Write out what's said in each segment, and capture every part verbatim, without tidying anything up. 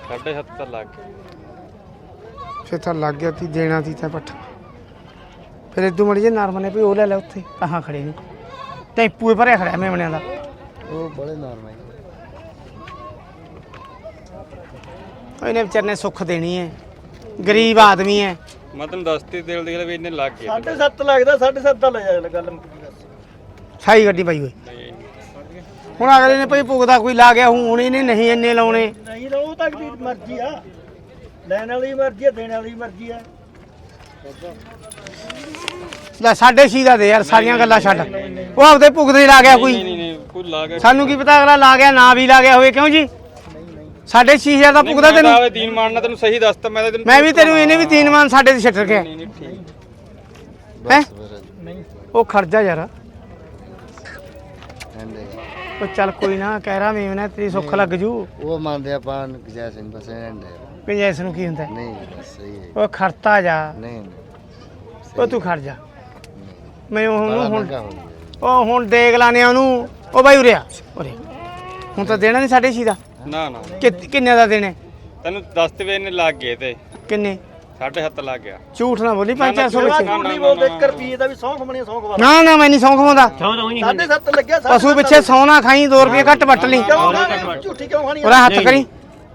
साढ़े सत्तर लाख फिर तो लग गया ती देना ती था पट्ठा फिर इदू मड़ी जे नरम ने भी वो ले लै उत्थे कहाँ खड़े ने टेंपू भरिया खड़ा मेमणियां दा वो बड़े नरम है इन्हें बेचारे ने सुख देनी है गरीब आदमी है मैं तेन दसती दिल दी भी इन्ने लग गए साढ़े सत्त लगदा साढ़े सत्त दा ले जा गल साई गड्डी पाई होई ਹੁਣ ਅਗਲੇ ਨੇ ਭਈ ਪੁੱਗਦਾ ਕੋਈ ਲਾ ਗਿਆ ਹੁਣ ਇਹਨੇ ਨਹੀਂ ਇੰਨੇ ਲਾਉਣੇ ਨਹੀਂ ਲਓ ਤੱਕ ਦੀ ਮਰਜ਼ੀ ਆ ਲੈਣ ਵਾਲੀ ਮਰਜ਼ੀ ਆ ਦੇਣ ਵਾਲੀ ਮਰਜ਼ੀ ਆ ਲੈ ਸਾਢੇ ਛੇ ਦਾ ਦੇ ਯਾਰ ਸਾਰੀਆਂ ਗੱਲਾਂ ਛੱਡ ਉਹ ਆਪਦੇ ਪੁੱਗਦੇ ਲਾ ਗਿਆ ਕੋਈ नहीं नहीं कोई ला गया ਸਾਨੂੰ ਕੀ ਪਤਾ ਅਗਲਾ ਲਾ ਗਿਆ ਨਾ ਵੀ ਲਾ ਗਿਆ ਹੋਵੇ ਕਿਉਂ ਜੀ ਸਾਢੇ ਛੇ ਹਜ਼ਾਰ ਦਾ ਪੁੱਗਦਾ ਤੈਨੂੰ तीन मारना तेन सही दसता मैं तेन ਮੈਂ ਵੀ ਤੈਨੂੰ ਇਹਨੇ ਵੀ ਤੀਨ ਮਾਨ ਸਾਡੇ ਤੇ ਛੱਡ ਰੱਖਿਆ नहीं नहीं ठीक ਹੈ ਨਹੀਂ ਉਹ ਖਰਜਾ ਯਾਰ ਉਹ ਚੱਲ ਕੋਈ ਨਾ ਕਹਿ ਰਾ ਮੇਵਨਾ ਤੇਰੀ ਸੁੱਖ ਲੱਗ ਜੂ ਉਹ ਮੰਨਦੇ ਆਪਾਂ ਜੈ ਸਿੰਘ ਬਸ ਐਂਡ ਪੰਜੈਸ ਨੂੰ ਕੀ ਹੁੰਦਾ ਨਹੀਂ ਬਸ ਸਹੀ ਹੈ ਉਹ ਖਰਤਾ ਜਾ ਨਹੀਂ ਉਹ ਤੂੰ ਖੜ ਜਾ ਮੈਂ ਉਹਨੂੰ ਹੁਣ ਮਹਿੰਗਾ ਹੋ ਗਿਆ ਉਹ ਹੁਣ ਦੇਖ ਲਾਨੇ ਉਹਨੂੰ ਉਹ ਬਾਈ ਉਰਿਆ ਉਰੇ ਹੁਣ ਤਾਂ ਦੇਣਾ ਨਹੀਂ ਸਾਢੇ ਛੇ ਦਾ ना ना ਕਿ- ਕਿੰਨੇ ਦਾ ਦੇਣੇ तेन दसते वे इन्ने लग गए थे ਕਿੰਨੇ साढ़े सत्तर लग गया ਝੂਠ ਨਾ ਬੋਲੀ ਪੰਜ ਚਾਰ ਸੌ ਵਿੱਚ ਨਹੀਂ ਬੋਲਦੇ ਇੱਕ ਰੁਪਏ ਦਾ ਵੀ ਸੌਂਖ ਬਣੀ ਸੌਂਖ ਵਾ ਨਾ ਨਾ ਮੈਂ ਨਹੀਂ ਸੌਂ ਖਵਾਉਂਦਾ ਸਾਢੇ ਸੱਤ ਲੱਗਿਆ ਪਸ਼ੂ ਪਿੱਛੇ ਸੌ ਨਾ ਖਾਈ ਦੋ ਰੁਪਏ ਘੱਟ ਵੱਟ ਲਈ ਕਿਉਂ ਖਾਣੀ ਝੂਠੀ ਕਿਉਂ ਖਾਣੀ ਉਹਦਾ ਹੱਥ ਕਰੀ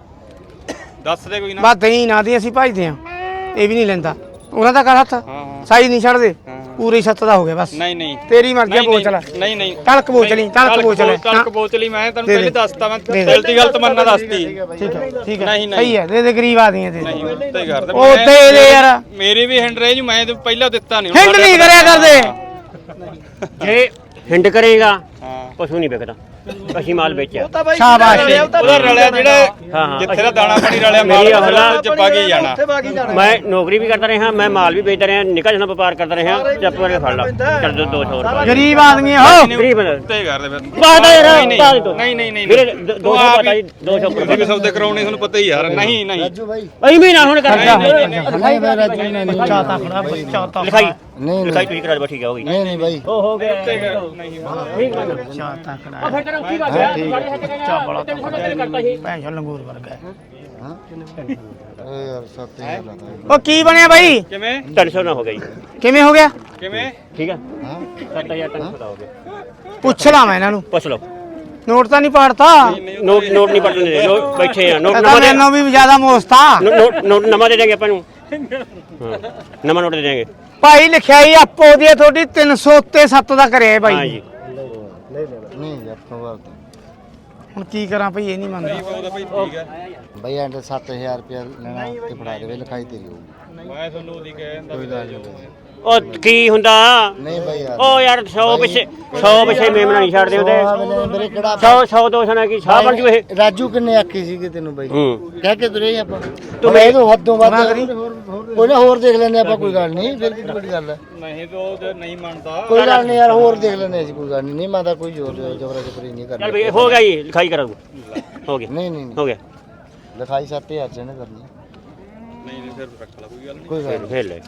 दस दे कोई ना ਬਸ ਦਹੀਂ ਨਾ ਦੀ ਅਸੀਂ ਭਜਦੇ ਆ ਇਹ ਵੀ ਨਹੀਂ ਲੈਂਦਾ ਉਹਨਾਂ ਦਾ ਕਰ ਹੱਥ हाँ हाँ ਸਾਈ ਨਹੀਂ ਛੱਡਦੇ हाँ। ਪੂਰੀ ਛੱਤ ਦਾ ਹੋ ਗਿਆ ਬਸ नहीं नहीं ਤੇਰੀ ਮਰਜ਼ੀ ਆ, नहीं, ਬੋਲ ਚਲਾ नहीं नहीं ਤਲਕ ਬੋਲ ਚਲੀ ਤਲਕ ਬੋਲ ਚਲੇ तड़क बोचली मैं तेन दे दे। पहले दसता मैं दे दे। दिल दी गलत मनना दसती ਠੀਕ ਹੈ ਠੀਕ ਹੈ ਨਹੀਂ, ਨਹੀਂ। ਸਹੀ ਹੈ ਦੇ ਦੇ ਗਰੀਬ ਆਦਮੀ ਹੈ ਦੇ ਦੇ नहीं उत्ते कर दे ਉਹ ਉੱਤੇ ਦੇ ਯਾਰ मेरी भी हैंड रही मैं तो पहला दिता नहीं ਹਿੰਡ ਨਹੀਂ ਕਰਿਆ ਕਰਦੇ ਜੇ ਹਿੰਡ ਕਰੇਗਾ हाँ ਪਸ਼ੂ ਨਹੀਂ ਵਿਕਦਾ ਅਸੀਂ ਮਾਲ ਵੇਚਿਆ ਤਾਂ ਬਾਈ ਸ਼ਾਬਾਸ਼। ਉਹਦਾ ਰਲਿਆ ਜਿਹੜਾ ਹਾਂ, ਹਾਂ। ਜਿੱਥੇ ਦਾ ਦਾਣਾ ਪਾਣੀ ਰਲਿਆ ਮਾਲ ਮੇਰੀ ਹਲਾ ਚੱਪਾ ਕੀ ਜਾਣਾ ਉੱਥੇ ਬਾਗੀ ਜਾਣਾ ਮੈਂ ਨੌਕਰੀ ਵੀ ਕਰਦਾ ਰਿਹਾ ਮੈਂ ਮਾਲ ਵੀ ਵੇਚਦਾ ਰਿਹਾ ਨਿੱਕਾ ਜਿਹਾ ਵਪਾਰ ਕਰਦਾ ਰਿਹਾ ਚੱਪ ਕਰਕੇ ਫੜ ਲਾ ਚੱਲ ਦੋ ਦੋ ਸੌ ਰੁਪਏ ਗਰੀਬ ਆਦਮੀ ਹੈ ਹੋ ਗਰੀਬ ਬੰਦਾ ਉੱਤੇ ਕਰ ਦੇ ਫਿਰ ਬਾਦਾ ਯਾਰ ਨਹੀਂ, ਪਾ ਦੇ ਤੂੰ ਨਹੀਂ ਨਹੀਂ ਨਹੀਂ ਵੀਰੇ ਦੋ ਸੌ ਪਤਾ ਜੀ ਦੋ ਸੌ ਤੁਸੀਂ ਵੀ ਸੌਦੇ ਕਰਾਉਣੇ ਤੁਹਾਨੂੰ ਪਤਾ ਹੀ ਯਾਰ ਨਹੀਂ ਨਹੀਂ ਰਾਜੂ ਬਾਈ ਐਵੇਂ ਨਾ ਹੁਣ ਕਰ ਖਰਚਾ ਨਹੀਂ ਬਾਈ ਰਾਜੂ ਨਹੀਂ ਨਹੀਂ ਚਾਤਾ ਖੜਾ ਚਾਤਾ ਲਿਖਾਈ ਨਹੀਂ ਲਿਖਾਈ ਤੁਸੀਂ ਕਰਾ ਦੇ ਠੀਕ ਹੈ ਹੋ ਗਈ ਨਹੀਂ ਨਹੀਂ ਬਾਈ ਉਹ ਹੋ ਗਿਆ ਨਹੀਂ ਚਾਤਾ ਖੜਾ ਫਿਰ ਤੇਰਾ ਕੀ ਬਾਤ ਹੈ ਚਾ ਬੜਾ ਕਰਤਾ ਸੀ ਭੈਣ ਚੋ ਲੰਗੂਰ ਵਰਗਾ ਹੈ। ਹਾਂ ਓਏ ਯਾਰ ਸੱਤ ਹਜ਼ਾਰ ਲਾਤਾ ਉਹ ਕੀ ਬਣਿਆ ਬਾਈ ਕਿਵੇਂ ਤਿੰਨ ਸੌ ਨਾ ਹੋ ਗਈ ਕਿਵੇਂ ਹੋ ਗਿਆ ਕਿਵੇਂ ਠੀਕ ਹੈ ਹਾਂ ਸੱਤ ਹਜ਼ਾਰ ਤਿੰਨ ਸੌ ਦਾ ਹੋ ਗਿਆ ਪੁੱਛ ਲਾ ਮੈਂ ਇਹਨਾਂ ਨੂੰ ਪੁੱਛ ਲਓ ਨੋਟ ਤਾਂ ਨਹੀਂ ਪਾੜਤਾ ਨੋਟ ਨੋਟ ਨਹੀਂ ਪੜਨੇ ਲੋਕ ਬੈਠੇ ਆ ਨੋਟ ਪਤਾ ਨਵਾਂ ਦੇ ਮੈਨੂੰ ਵੀ ਜ਼ਿਆਦਾ ਮੋਸਤਾ ਨੋਟ ਨੋਟ ਨਵਾਂ ਦੇ ਦੇਂਗੇ ਆਪਾਂ ਨੂੰ ਹਾਂ, ਨਵਾਂ ਨੋਟ ਦੇ ਦੇਂਗੇ ਭਾਈ ਲਿਖਿਆਈ ਆਪੋ ਦੀ ਹੈ ਤੁਹਾਡੀ ਤਿੰਨ ਸੌ ਉੱਤੇ ਸੱਤ ਦਾ ਕਰਿਆ ਹੈ ਹਾਂ ਬਾਈ ਜੀ ਨਹੀਂ ਯਾਰ ਤੋਂ ਹੁਣ ਕੀ ਕਰਾਂ ਭਾਈ ਇਹ ਨਹੀਂ ਮੰਨਦਾ ਉਹਦਾ ਭਾਈ ਠੀਕ ਹੈ ਬਾਈ ਐਂਡ ਸੱਤ ਹਜ਼ਾਰ ਰੁਪਏ ਲੈਣਾ ਤੇ ਫੜਾ ਦੇਵੇ ਲਿਖਾਈ ਤੇਰੀ ਹੋਊਗੀ ਮੈਂ ਤੁਹਾਨੂੰ ਉਹਦੀ ਕਹਿੰਦਾ ਕੋਈ ਗੱਲ ਨਹੀਂ ਉਹ ਕੀ ਹੁੰਦਾ ਨਹੀਂ ਬਾਈ ਯਾਰ ਉਹ ਯਾਰ ਸੌ ਪਿੱਛੇ ਸੌ ਪਿੱਛੇ ਮੇਮਣਾ ਨਹੀਂ ਛੱਡਦੇ ਉਹਦੇ ਮੇਰੇ ਕਿਹੜਾ ਸੌ ਸੌ ਦੋ ਸੌ ਨਾਲ ਕੀ ਸਾਹ ਬਣ ਜੂ ਇਹ ਰਾਜੂ ਕਿੰਨੇ ਆਖੀ ਸੀਗੇ ਤੈਨੂੰ ਬਾਈ ਹੂੰ ਕਹਿ ਕੇ ਤੁਰੇ ਆਪਾਂ ਤੂੰ ਤੂੰ ਮੈਂ ਤੋਂ ਹੱਦੋਂ ਵੱਧ ਨਾ ਕਰੀ। ਕੋਈ ਨਾ ਹੋਰ ਦੇਖ ਲੈਂਦੇ ਆਪਾਂ ਕੋਈ ਗੱਲ ਨਹੀਂ ਫਿਰ ਕਿੱਡੀ ਵੱਡੀ ਗੱਲ ਹੈ ਨਹੀਂ ਤਾਂ ਉਹ ਜੇ ਨਹੀਂ ਮੰਨਦਾ ਕੋਈ ਗੱਲ ਨਹੀਂ ਯਾਰ ਹੋਰ ਦੇਖ ਲੈਂਦੇ ਅਸੀਂ ਕੋਈ ਗੱਲ ਨਹੀਂ ਨਹੀਂ ਮੈਂ ਤਾਂ ਕੋਈ ਜ਼ੋਰ ਜਬਰਾ ਜਬਰੀ ਨਹੀਂ ਚੱਲ ਕਰਨੀ ਬਈ ਹੋ ਗਿਆ ਜੀ ਲਿਖਾਈ ਕਰਾ ਦੂੰ ਹੋ ਗਿਆ ਨਹੀਂ ਨਹੀਂ ਹੋ ਗਿਆ ਲਿਖਾਈ ਸੱਤ ਹਜ਼ਾਰ ਚ ਨੇ ਕਰਨੀ ਨਹੀਂ ਨਹੀਂ ਫਿਰ ਰੱਖ ਲਾ ਕੋਈ ਗੱਲ ਨਹੀਂ ਕੋਈ ਗੱਲ ਫੇਰ ਫੇਰ ਲੈ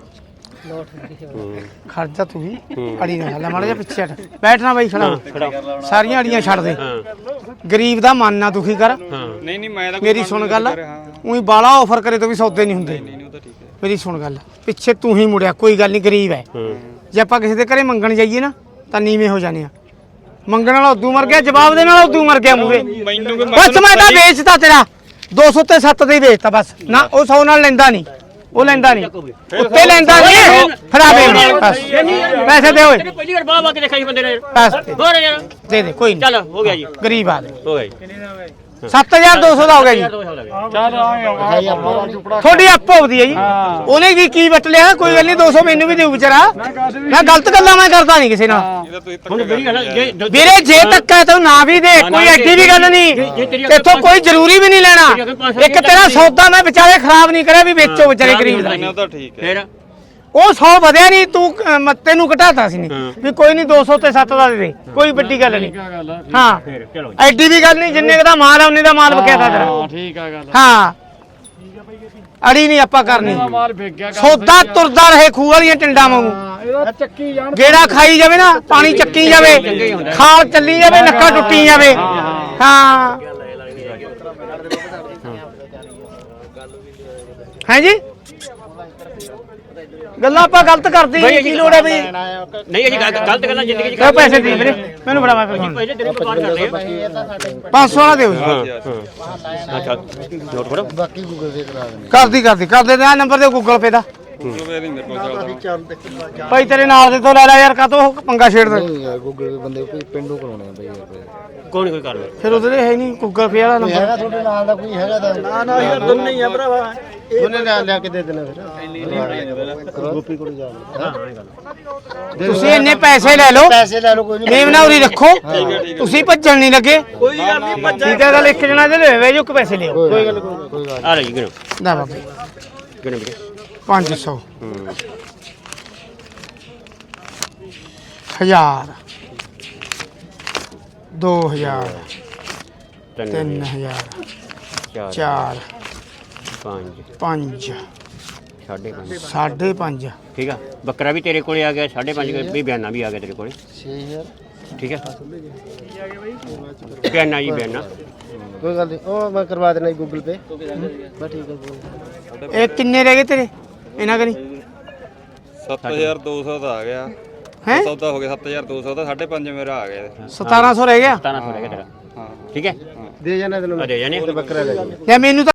ਖਰਚਾ ਤੂੰ ਵੀ ਹੂੰ। ਅੜੀ ਨਾ ਲੈ ਮਾੜਾ ਜਿਹਾ ਪਿੱਛੇ ਹਟ ਬੈਠਣਾ ਬਾਈ ਖੜਾ ਹੋ। ਖੜਾ ਸਾਰੀਆਂ ਅੜੀਆਂ ਛੱਡ ਦੇ ਹਾਂ ਗਰੀਬ ਦਾ ਮਨ ਨਾ ਦੁਖੀ ਕਰ ਹਾਂ ਨਹੀਂ ਨਹੀਂ ਮੈਂ ਤਾਂ ਕੋਈ ਮੇਰੀ ਕੰਮ ਸੁਣ ਨਹੀਂ ਗੱਲ ਕਰ ਰਿਹਾ, ਹਾਂ ਉਹੀ ਬਾਲਾ ਆਫਰ ਕਰੇ ਤੋਂ ਵੀ ਸੌਦੇ ਨਹੀਂ ਹੁੰਦੇ ਨਹੀਂ ਨਹੀਂ ਉਹ ਤਾਂ ਠੀਕ ਹੈ ਮੇਰੀ ਸੁਣ ਗੱਲ ਪਿੱਛੇ ਤੂੰ ਹੀ ਮੁੜਿਆ ਕੋਈ ਗੱਲ ਨਹੀਂ ਗਰੀਬ ਹੈ ਹਾਂ ਜੇ ਆਪਾਂ ਕਿਸੇ ਦੇ ਘਰੇ ਮੰਗਣ ਜਾਈਏ ਨਾ ਤਾਂ ਨੀਵੇਂ ਹੋ ਜਾਣੇ ਆ ਮੰਗਣ ਵਾਲਾ ਉਦੋਂ ਮਰ ਗਿਆ ਜਵਾਬ ਦੇਣ ਵਾਲਾ ਉਦੋਂ ਮਰ ਗਿਆ ਮੂਰੇ ਮੈਨੂੰ ਕਿ ਬਸ ਮੈਂ ਤਾਂ ਵੇਚਤਾ ਤੇਰਾ ਦੋ ਸੌ ਤੇ ਸੱਤ ਦੇ ਹੀ ਵੇਚਤਾ ਬਸ ਨਾ ਉਹ ਸੌ ਨਾਲ ਲੈਂਦਾ ਨਹੀਂ ਉਹ ਲੈਂਦਾ ਨਹੀਂ ਉੱਤੇ ਲੈਂਦਾ ਨਹੀਂ ਫੜਾ ਦੇ ਬਸ ਪੈਸੇ ਦੇ ਓਏ ਪਹਿਲੀ ਵਾਰ ਬਾਹ ਬਾਹ ਕੇ ਦੇਖਿਆ ਸੀ ਬੰਦੇ ਨੇ ਪੈਸੇ ਦੇ। ਹੋਰ ਯਾਰ ਦੇ ਦੇ ਕੋਈ ਨਹੀਂ ਚੱਲ ਹੋ ਗਿਆ ਜੀ ਗਰੀਬ ਆਦਮੀ ਹੋ ਗਿਆ ਜੀ ਸੱਤ ਹਜ਼ਾਰ ਦੋ ਸੌ ਦਾ ਹੋ ਗਿਆ ਜੀ ਲਿਖਾਈ ਆਪਾਂ ਤੁਹਾਡੀ ਆਪੋ ਆਪਦੀ ਹੈ ਜੀ ਉਹਨੇ ਵੀ ਕੀ ਵਟ ਲਿਆ ਕੋਈ ਗੱਲ ਨਹੀਂ ਦੋ ਸੌ ਮੈਨੂੰ ਵੀ ਦਿਓ ਵਿਚਾਰਾ ਮੈਂ ਗਲਤ ਗੱਲਾਂ ਮੈਂ ਕਰਦਾ ਨਹੀਂ ਕਿਸੇ ਨਾਲ ਇਹਦਾ ਤੁਸੀਂ ਹੁਣ ਮੇਰੀ ਗੱਲ ਜੇ ਜੇ- ਵੀਰੇ ਜੇ ਧੱਕਾ ਤੂੰ ਨਾ ਵੀ ਦੇ ਕੋਈ ਐਡੀ ਵੀ ਗੱਲ ਨਹੀਂ ਇੱਥੋਂ ਕੋਈ ਜ਼ਰੂਰੀ ਵੀ ਨਹੀਂ ਲੈਣਾ ਇੱਕ ਤੇਰਾ ਸੌਦਾ ਮੈਂ ਵਿਚਾਰੇ ਖਰਾਬ ਨਹੀਂ ਕਰਿਆ ਵੀ ਵੇਚੋ ਵਿਚਾਰੇ ਗਰੀਬ ਦਾ ਉਹ ਤਾਂ ਠੀਕ ਹੈ ਫੇਰ ਉਹ ਸੌ ਵਧਿਆ ਨਹੀਂ ਤੂੰ ਅਹ, ਮ- ਤੈਨੂੰ ਘਟਾਤਾ ਸੀ ਨਹੀਂ ਹਾਂ। ਵੀ ਕੋਈ ਨਹੀਂ ਦੋ ਸੌ ਤੇ ਸੱਤ ਦਾ ਦੇ ਦੇ ਕੋਈ ਵੱਡੀ ਗੱਲ ਨਹੀਂ ਹਾਂ ਫੇਰ ਚਲੋ ਜੀ। ਐਡੀ ਵੀ ਗੱਲ ਨਹੀਂ ਜਿੰਨੇ ਦਾ ਮਾਲ ਆ ਉਹਨੇ ਦਾ ਮਾਲ ਵਿਕਿਆ ਤਾਂ ਤੇਰਾ ਠੀਕ ਆ ਗੱਲ ਹਾਂ ਅੜੀ ਨਹੀਂ ਆਪਾਂ ਕਰਨੀ ਮਾਲ ਵਿਕ ਗਿਆ ਸੌਦਾ ਤੁਰਦਾ ਰਹੇ ਖੂਹ ਵਾਲੀਆਂ ਟਿੰਡਾਂ ਵਾਂਗੂ ਇਹਦਾ ਚੱਕੀ ਜਾਣ ਗੇੜਾ ਖਾਈ ਜਾਵੇ ਨਾ ਪਾਣੀ ਚੱਕੀ ਜਾਵੇ ਖਾਲ ਚੱਲੀ ਜਾਵੇ ਨੱਕਾ ਟੁੱਟੀ ਜਾਵੇ ਹਾਂ ਹੈ ਜੀ ਗੱਲਾਂ ਆਪਾਂ ਗਲਤ ਕਰਦੇ ਬਈ ਹਾਂ ਕੀ ਲੋੜ ਹੈ ਬਈ ਨਹੀਂ ਅਸੀਂ ਗਲਤ ਗਲਤ ਗੱਲਾਂ ਜ਼ਿੰਦਗੀ 'ਚ ਕਿਉਂ ਪੈਸੇ ਦੇ ਵੀਰੇ ਮੈਨੂੰ ਬੜਾ ਮੈਂ ਫੋਨ ਪਹਿਲੇ ਤੇਰੇ ਵਪਾਰ ਕਰਦੇ ਆ ਪੰਜ ਸੌ ਵਾਲਾ ਦਿਓ ਜੀ। ਹਾਂ ਹਾਂ ਅੱਛਾ ਨੋਟ ਕਰੋ ਬਾਕੀ ਗੂਗਲ ਪੇ ਕਰਾ ਦੇਣੇ ਕਰਦੀ ਕਰਦੀ ਕਰ ਦੇ ਆ ਨੰਬਰ ਦੇ ਗੂਗਲ ਪੇ ਦਾ ਗੂਗਲ ਨਹੀਂ ਮੇਰੇ ਕੋਲ ਚੱਲਦਾ ਭਾਈ ਤੇਰੇ ਨਾਲ ਦੇ ਤੋਂ ਲੈ ਲੈ ਯਾਰ ਕਾਤੋਂ ਪੰਗਾ ਛੇੜਦਾ ਨਹੀਂ ਯਾਰ ਗੂਗਲ ਪੇ ਬੰਦੇ ਕੋਈ ਪਿੰਡੋਂ ਕਰਾਉਣੇ ਆ ਬਈ ਯਾਰ ਕੋਈ ਨਹੀਂ ਕੋਈ ਕਰ ਲੈ ਫਿਰ ਉਹਦੇ ਹੈ ਨਹੀਂ ਗੂਗਲ ਪੇ ਵਾਲਾ ਨੰਬਰ ਹੈਗਾ ਤੁਹਾਡੇ ਨਾਲ ਦਾ ਕੋਈ ਹੈਗਾ ਤਾਂ ਨਾ ਨਾ ਯਾਰ ਦੋਨੇ ਹੀ ਆ ਭਰਾਵਾ ਉਹਨੇ ਨਾਲ ਲਿਆ ਕੇ ਦੇ ਦੇਣਾ ਫਿਰ ਗੋਪੀ ਕੋਲ ਜਾ ਤੁਸੀਂ ਇੰਨੇ ਪੈਸੇ ਲੈ ਲਓ ਪੈਸੇ ਲੈ ਲਓ ਕੋਈ ਨਹੀਂ ਮੇਮ ਨਾ ਉਰੀ ਰੱਖੋ ਤੁਸੀਂ ਭੱਜਣ ਨਹੀਂ ਲੱਗੇ ਕੋਈ ਗੱਲ ਨਹੀਂ ਭੱਜਾ ਠੀਕ ਹੈ ਗੱਲ ਇੱਕ ਜਣਾ ਦੇ ਲੈ ਵੇ ਜੋ ਪੈਸੇ ਲਿਓ ਕੋਈ ਗੱਲ ਕੋਈ ਕੋਈ ਗੱਲ ਆ ਲੈ ਜੀ ਗਿਣੋ ਨਾ ਬਾਬੇ ਗਿਣੋ ਵੀਰੇ ਪੰਜ ਸੌ ਹੂੰ ਹਜ਼ਾਰ ਦੋ ਹਜ਼ਾਰ ਤਿੰਨ ਤਿੰਨ ਹਜ਼ਾਰ ਚਾਰ ਚਾਰ ਪੰਜ ਪੰਜ ਸਾਢੇ ਪੰਜ ਸਾਢੇ ਪੰਜ ਠੀਕ ਆ ਬੱਕਰਾ ਵੀ ਤੇਰੇ ਕੋਲੇ ਆ ਗਿਆ ਸਾਢੇ ਪੰਜ ਵੀ ਬਿਆਨਾ ਵੀ ਆ ਗਿਆ ਤੇਰੇ ਕੋਲੇ ਛੇ ਹਜ਼ਾਰ ਠੀਕ ਹੈ ਬਿਆਨਾ ਜੀ ਬਿਆਨਾ ਕੋਈ ਗੱਲ ਨਹੀਂ ਉਹ ਮੈਂ ਕਰਵਾ ਦੇਣਾ ਗੂਗਲ ਪੇ ਬਸ ਠੀਕ ਹੈ ਕੋਈ ਇਹ ਕਿੰਨੇ ਰਹਿ ਗਏ ਤੇਰੇ ਇਹਨਾਂ ਕਰੀ ਸੱਤ ਹਜ਼ਾਰ ਦੋ ਸੌ ਦਾ ਆ ਗਿਆ ਹੈ ਸੌਦਾ ਹੋ ਗਿਆ ਸੱਤ ਹਜ਼ਾਰ ਦੋ ਸੌ ਦਾ ਸਾਢੇ ਪੰਜ ਮੇਰਾ ਆ ਗਿਆ ਇਹਦੇ। ਸਤਾਰਾਂ ਸੌ ਰਹਿ ਗਿਆ ਸਤਾਰਾਂ ਸੌ ਰਹਿ ਗਿਆ ਤੇਰਾ ਹਾਂ ਠੀਕ ਹੈ ਦੇ ਜਾਣਾ ਤੈਨੂੰ ਆ ਦੇ ਜਾਣੇ ਬੱਕਰਾ ਲੈ ਜਾਣਾ ਲੈ ਮੈਨੂੰ ਤਾਂ